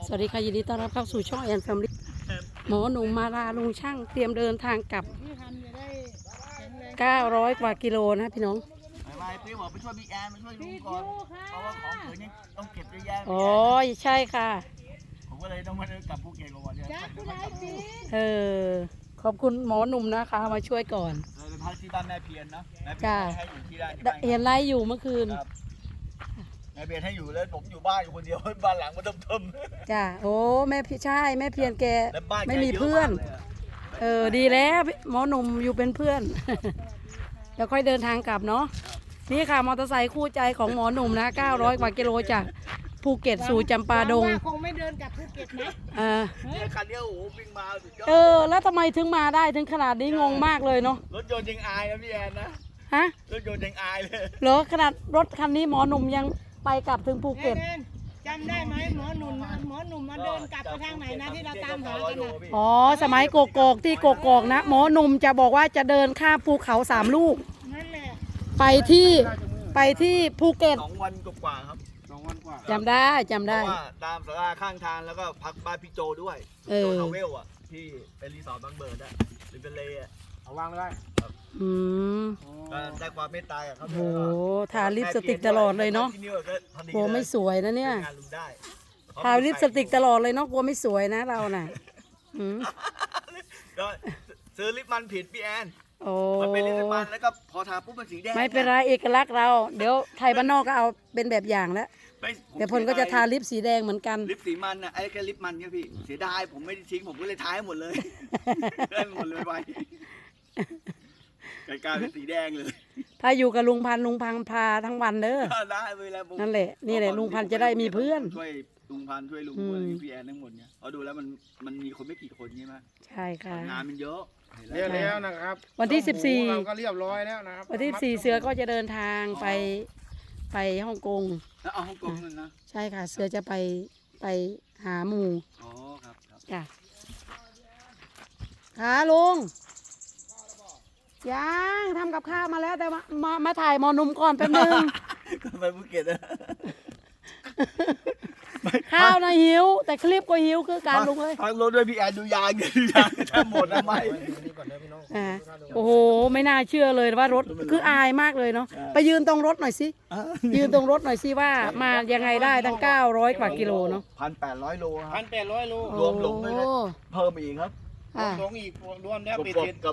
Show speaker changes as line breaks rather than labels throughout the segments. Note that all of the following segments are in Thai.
สวัสดีค่ะยินดีต้อนรับเข้าสู่ช่องแอนแฟมิลี่หมอหนุ่มมาลาลุงช่างเตรียมเดินทางกลับ900 กว่ากิโลนะพี่น้อง
ไม่พี่บอกไปช่วยพี่แอนมาช่วยลุงก่อนเพราะว่าของเขินนี่ต้องเก็บเยอะแยะ
อ๋อใช่ค่ะ
ผมก็เลยต้องมากลับภูเก็ตก่อนเนี่ย
ขอบคุณหมอหนุ่มนะคะมาช่วยก่อน
เลยไปพักที่บ้านแม่เพียรนะแม่เพียรให้อยู่ที่บ้าน
เห็นไล่อยู่เมื่อคืน
แม่เพียรให้อยู่แล้วผมอยู่บ้านอยู่คนเดียวบ้านหลังมันเทิม
จ้าโอ้แม่ใช่แม่เพียรแกไม่มีเพื่อนดีแล้วหมอหนุ่มอยู่เป็นเพื่อนแล้วค่อยเดินทางกลับเนาะนี่ค่ะมอเตอร์ไซค์คู่ใจของหมอหนุ่มนะ900 กว่ากิโลจากภูเก็ตสู่จำปาดง
คงไม่เดินกลับภูเก็ตนะ
เนี่ยคันนี้โอ้โหวิ่งมาสุดย
อดแล้วทำไมถึงมาได้ถึงขนาดนี้งงมากเลยเนาะ
รถยนต์ยังอายนะพี่แอนนะ
ฮะ
รถยนต์ยังอายเลย
เหรอขนาดรถคันนี้หมอหนุ่มยังไปกลับถึงภูเก็ต
จำได้ไหมหมอหนุ่มมาเดินกลับไปทางไหนนะที่เราตามหากันนะ
อ๋อสมัยโกกอกที่โกกอกนะหมอหนุ่มจะบอกว่าจะเดินข้ามภูเขา3 ลูก
นั่นแหละ
ไปที่ภูเก็ต
2 วันกว่าครับ2 วันกว่า
จำได้เพราะ
ว่าตามศาลาข้างทางแล้วก็พักบ้านพี่โจด้วยโจทาวเวลอ่ะที่เป็นรีสอร์ทบางเบิร์ดอ่ะหรือเป็นเลอ่ะ
เอาวางได้
ได้ความเมตตาครับ
โอ้ทาลิปสติกตลอดเลยเนาะกลัวไม่สวยนะเนี่ยทาลิปสติกตลอดเลยเนาะกลัวไม่สวยนะเราน่ะ
ก็ซื้อลิปมันผิดพี่แอนมันเป็นลิปมันแล้วก็พอทาปุ๊บมันสีแดง
ไม่เป็นไรเอกลักษณ์เราเดี๋ยวไทยบ้านนอกก็เอาเป็นแบบอย่างแล้วเดี๋ยวพลก็จะทาลิปสีแดงเหมือนกัน
ลิปสีมันนะไอ้แค่ลิปมันเนี่ยพี่เสียดายผมไม่ได้ทิ้งผมก็เลยทาให้หมดเลยได้หมดเลยไปกลายเป็นสีแดงเลย
ถ้าอยู่กับลุงพันพาทั้งวันเด้อ
ได้เวลา
นั่นแหละนี่แหละลุงพันจะได้มีเพื่อน
ช่วยลุงพันช่วยลุงพี่แอนทั้งหมดเนี่ยเอาดูแล้วมันมีคนไม่กี่คนใช่ไหม
ใช่ค่ะ
งานมันเยอะ
แล้วนะครับ
วันที่14
เราก็เรียบร้อยแล้วนะครับ
วันที่14เสือก็จะเดินทางไปฮ่องกง
แล้วฮ่องกงนั่นนะ
ใช่ค่ะเสือจะไปหาหมู่
อ๋อครับ
จ้ะค่ะลุงยังทำกับข้าวมาแล้วแต่มาถ่ายหมอนุ่มก่อนแป๊บนึง
ก็ไปภูเก็ตนะ
ข้าวนะหิวแต่คลิปก็หิวคือการลุงเลย
พักรถด้วยพี่แอนดูยางจะหมดทำไม
โอ้โหไม่น่าเชื่อเลยว่ารถคืออายมากเลยเนาะไปยืนตรงรถหน่อยสิยืนตรงรถหน่อยสิว่ามายังไงได้ตั้ง900 กว่ากิโลเนาะ
1,800 โล
1,800 โล
รวมหลงเลยเพิ่มอีกครับ
หลงอีกรวมแล้วปิด
กับ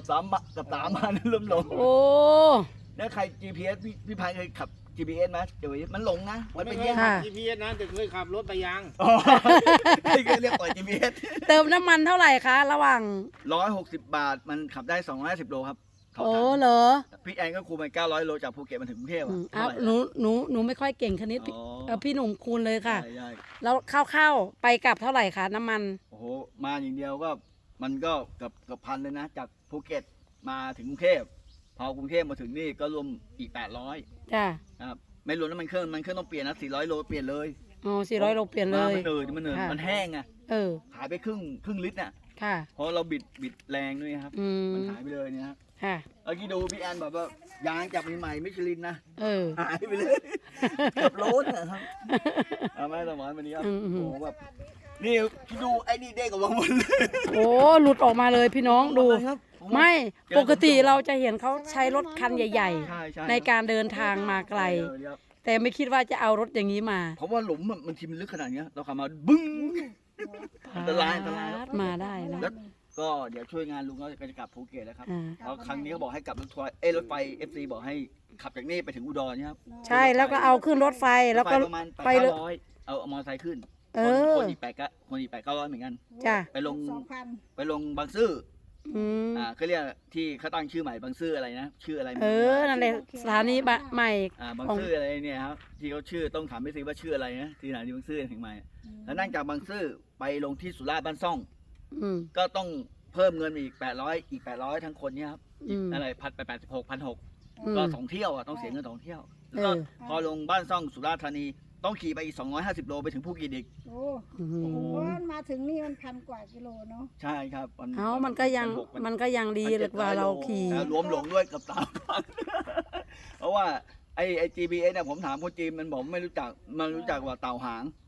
3 มาเริ่มหลง
โอ้
แล้วใคร GPS พี่พันเคยขับ GPS ไหมเดี๋ยวมันหลงนะ
มันเป็นยังไง GPS นะแต่เคยขับรถไปยัง
เรียกปล่อย GPS
เติมน้ำมันเท่าไหร่คะระหว่าง
160 บาทมันขับได้250 โลครับ
โอ้เหรอ
พี่แอนก็คูณไป900 โลจากภูเก็ตมาถึงกรุงเทพ
อ่ะหนูไม่ค่อยเก่งคณิตพี่หนุ่มคูณเลยค่ะแล้วเข้าไปกลับเท่าไหร่คะน้ำมัน
โอ้โหมาอย่างเดียวก็มันก็เกือบพันเลยนะจากภูเก็ตมาถึงกรุงเทพพอกรุงเทพมาถึงนี่ก็รวมอีก800
จ้า
ครับไม่รวมน้ำมันเครื่องต้องเปลี่ยนนะ400 โลเปลี่ยนเลย
อ๋อ400 โลเปลี่ยนเลย
มันแห้งอ่ะหายไปครึ่งลิตรน่ะ
ค่ะ
เพราะเราบิดแรงด้วยครับมันหายไปเลยเนี่ยครับ
ค่ะ
เมื่อกี้ดูพี่แอนบอกว่ายางจากใหม่มิชลินนะหายไปเลยเกือบโลนะครับเอาไม่สมอนวันนี้ครับโอ้แบบนี่คิดดูไอ้นี่เด้งออกมาหมดเลย
โอ้หลุดออกมาเลยพี่น้องดูไม่ปกติเราจะเห็นเขาใช้รถคันใหญ่ๆในการเดินทางมาไกลแต่ไม่คิดว่าจะเอารถอย่างนี้มา
เพราะว่าหลุมมันทีมันลึกขนาดนี้เราขับมาบึ้งอันตราย
มาได้นะ
ก็เดี๋ยวช่วยงานลุงก็จะกลับภูเก็ตแล้วครับเพราะครั้งนี้เขาบอกให้กลับรถทัวร์รถไฟ FC บอกให้ขับจากนี่ไปถึงอุดรนี่ครับ
ใช่แล้วก็เอาขึ้นรถไฟแล้วก็
ไปเลยเอามอเตอร์ไซค์ขึ้นคนอีก900เหมือนกันไปลงบางซื่อเขาเรียกที่เขาตั้งชื่อใหม่บางซื่ออะไรนะชื่ออะไร
นั่นแหละสถานีใหม่
บางซื่ออะไรเนี่ยครับที่เขาชื่อต้องถามไม่ซีว่าชื่ออะไรนะที่สถานีบางซื่อถึงใหม่แล้วนั่งจากบางซื่อไปลงที่สุราษฎร์บ้านซ่องก็ต้องเพิ่มเงินอีก800ทั้งคนเนี่ยครับอะไร1,886,1,600ก็2 เที่ยวต้องเสียเงิน2 เที่ยวแล้วก็พอลงบ้านซ่องสุราษฎร์ธานีต้องขี่ไปอีก250 โลไปถึงภูเก็ตอีก
โอ้มาถึงนี่มัน1,000 กว่ากิโลเนาะ
ใช่ครับ
มันก็ยังดีเลยว่าเราขี่
รวมหลงด้วยกับเพราะว่าไอ้ GPS เนี่ยผมถามคนจีนมันบอกไม่รู้จักว่าเต่าหาง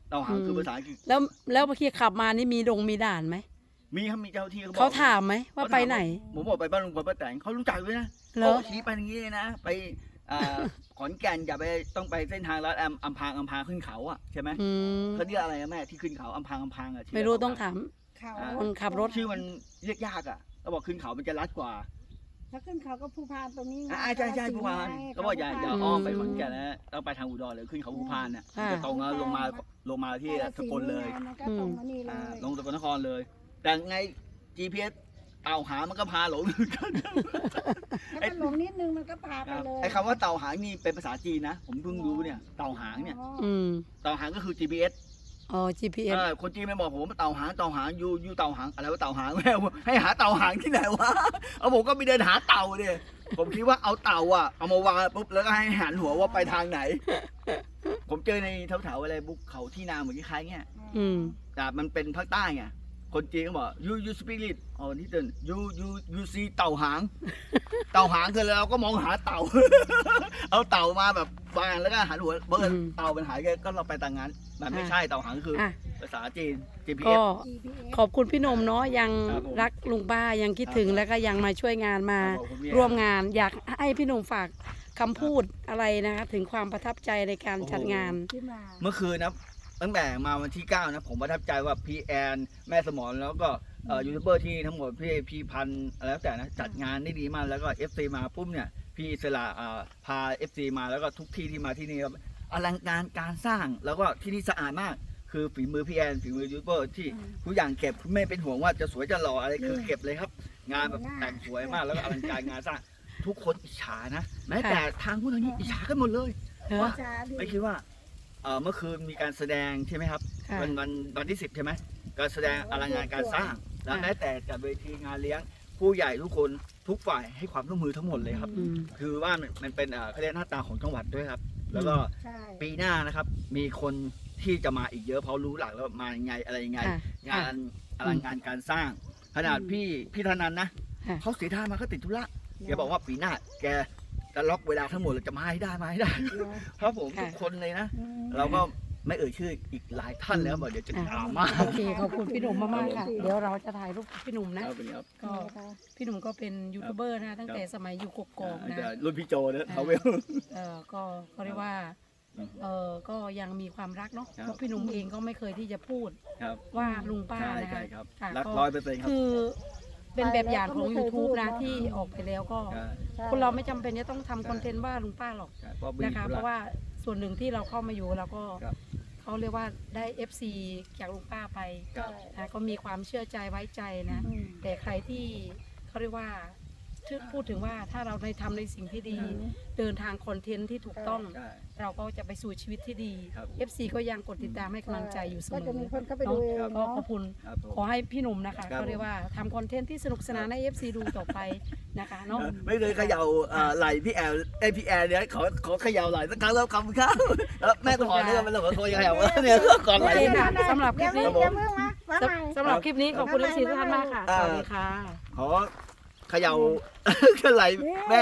เต่าหางคือภาษาอังกฤษ
แล้วเมื่อกี้ขับมานี่มีด่านไหม
มีครับมีเจ้าที่เขาบอก
เขาถามไหมว่าไปไหน
ผมบอกไปบ้านลุงพลป้าแตนเขารู้จักด้วยนะ
เหรอ
เขาชี้ไปอย่างนี้เลยนะ ไปขอนแก่นอย่าไปต้องไปเส้นทางลัดอัมพางขึ้นเขาอ่ะใช่ไหม
อืม
เขาเรียกอะไรอะแม่ที่ขึ้นเขาอัมพางอ่ะชื่
ไม่รู้ต้องถาม
เขา
คนขับรถ
ชื่อมันเรียกยากอ่ะเขาบอกขึ้นเขามันจะลัดกว่า
ถ้าขึ้นเขาก็ภูพานตรงนี้ไง
ใช่ภูพานเขาบอกอย่าอ้อมไปขอนแก่นนะต้องไปทางอุดรเลยขึ้นเขาภูพานเนี่ย
ค่ะ
จะตรงแล้วลงมาที่สกลเลย
มันก็ตรงมานี่เลย
ลงสกลนครเลย แต่ไง GPS เต่าหางมันก็พาหลง
ถ้ามันหลงนิดนึงมันก็พาไปเลย
ไอ้คำว่าเต่าหางนี่เป็นภาษาจีนนะ ผมเพิ่งรู้เนี่ยเต่าหางเนี่ย
อืม
เต่าหางก็คือ GPS
อ๋อ GPS
คนจีนไม่บอกผมว่าเต่าหางยูเต่าหางอะไรว่าเต่าหางแม่ให้หาเต่าหางที่ไหนวะเอาผมก็ไปเดินหาเต่าดิผมคิดว่าเอาเต่าอ่ะเอามาวางปุ๊บแล้วก็ให้หันหัวว่าไปทางไหน ผมเจอในแถวๆอะไรบุกเขาที่นาเหมือนคล้ายๆเงี้ย
อืม
แต่มันเป็นภาคใต้ไงคนจีนก็บอก you speak it อ๋อที่เดิน you see เต่าหาง เต่าหางคือเราก็มองหาเต่า เอาเต่ามาแบบวางแล้วก็หันหัวเบิร์เต่ามันหายก็เราไปต่างงานมันไม่ใช่เต่าหางคือ
อ่ะ
ภาษาจีน
ก็
GPS
ขอบคุณพี่หนมเนาะยัง
ครับผม
รักลุงป้ายังคิดถึง
ครับ
แล้วก็ยังมาช่วยงานมา
ขอบคุณพี่
ร่วมงาน อยากให้พี่หนุ่มฝากคำพูดอะไรนะคะถึงความประทับใจในการ
โอ้โห
จัดงาน
ที่มา
เมื่อคืนนะตั้งแต่มาวันที่ 9 นะผมประทับใจว่าพี่แอนแม่สมรแล้วก็ยูทูบเบอร์ที่ทั้งหมดพี่พันธุ์อะไรแล้วแต่นะจัดงานได้ดีมากแล้วก็ FC มาปุ๊บเนี่ยพี่อิสระพา FC มาแล้วก็ทุกที่ที่มาที่นี่ครับอลังการการสร้างแล้วก็ที่นี่สะอาดมาก คือฝีมือพี่แอนฝีมือยูทูบเบอร์ที่ทุกอย่างเก็บไม่เป็นห่วงว่าจะสวยจะหล่ออะไรคือเก็บเลยครับ งานแบบแต่งสวยมากแล้วก็อลังการงานสร้างทุกคนอิจฉานะแม้แต่ทางผู้ทางนี้อิจฉากันหมดเลย
เนอะ
ว่าไม่คิดว่าเมื่อคืนมีการแสดงใช่ไหมครับ
ค่ะ
วันที่ 10 ใช่ไหมการแสดงอลังการการสร้าง แล้ว
ค่ะ
แม้แต่จัดเวทีงานเลี้ยงผู้ใหญ่ทุกคนทุกฝ่ายให้ความร่วมมือทั้งหมดเลยครับ
อืม
คือว่ามันเป็นเขาเรียกหน้าตาของจังหวัดด้วยครับ แล้วก็
ใช่
ปีหน้านะครับ มีคนที่จะมาอีกเยอะเพราะรู้หลักแล้วมายังไงอะไรยังไง
ค่ะ
งานอลังการการสร้าง ขนาดพี่ธนันนะ
ค่ะ
เขาเสียท่ามาเขาติดธุระแกบอกว่าปีหน้าแกจะล็อกเวลาทั้งหมดเลยจะมาให้ได้ครับผม
ค่ะ
ทุกคนเลยนะ เราก็ไม่เอ่ยชื่ออีกหลายท่านแล้วบอกเดี๋ยวจะดราม่า
โอเคขอบคุณพี่หนุ่มมากๆค่ะ เดี๋ยวเราจะถ่ายรูปกับพี่หนุ่มนะ
ครับเป็นครับ
ก็พี่หนุ่มก็เป็นยูทูบเบอร์นะตั้งแต่สมัยอยู่กกอกนะ
แต่รุ่นพี่โจนะเขาเวล
ก็เขาเรียกว่าก็ยังมีความรักเนาะ
ครับ
เพราะพี่หนุ่มเองก็ไม่เคยที่จะพูด
ครับ
ว่าลุงป้า
ใช่
นะ
ใช่
คะ
ครับ
ค่ะ
รัก
ก็
100%ครับ
คือเป็นแบบอย่างของ YouTube นะที่ออกไปแล้วก็
ใช่
คนเราไม่จำเป็นจะต้องทำคอนเทนต์ว่าลุงป้าหรอก
ใช่เพราะมี
นะคะ
ธุ
เพราะว่าส่วนหนึ่งที่เราเข้ามาอยู่เราก็
ครับ
เขาเรียกว่าได้ FC จากลุงป้าไป
ครับ
นะก็มีความเชื่อใจไว้ใจนะ แต่ใครที่เขาเรียกว่าพูดถึงว่าถ้าเราได้ทำในสิ่งที่ดี เดินทางคอนเทนต์ที่ถูกต้อง
ใช่
เราก็จะไปสู่ชีวิตที่ดี
ครับ
FC ก็ยังกดติดตามให้กำลังใจอยู่เสม
ก็
อ
จะมีคนเข้าไปดูเอง
ก็
เนาะ
ขอบคุณ
ครับผม
ขอให้พี่หนุ่มนะคะ
ครับ
เขาเรียกว่าทำคอนเทนต์ที่สนุกสนานให้ FC ดูต่อไปนะคะเนาะ
ไม่เคยเขย่าไหลพี่แอลพี่แอลเนี่ยขอเขย่าไหลสักครั้งแล้วคำครับแล้วแม่ต้องขอเนี่ยมันเลยขอโทรเขย่าเนี่ยก่อน
โอ
ไหล
เคค่ะสำหรับคลิปนี้
อย่าเพิ่งมาใหม่
สำหรับคลิปนี้ขอบคุณ FC ทุกท่านมากค่ะ สวัสดีค่ะ
ขอเขย่าไหลแม่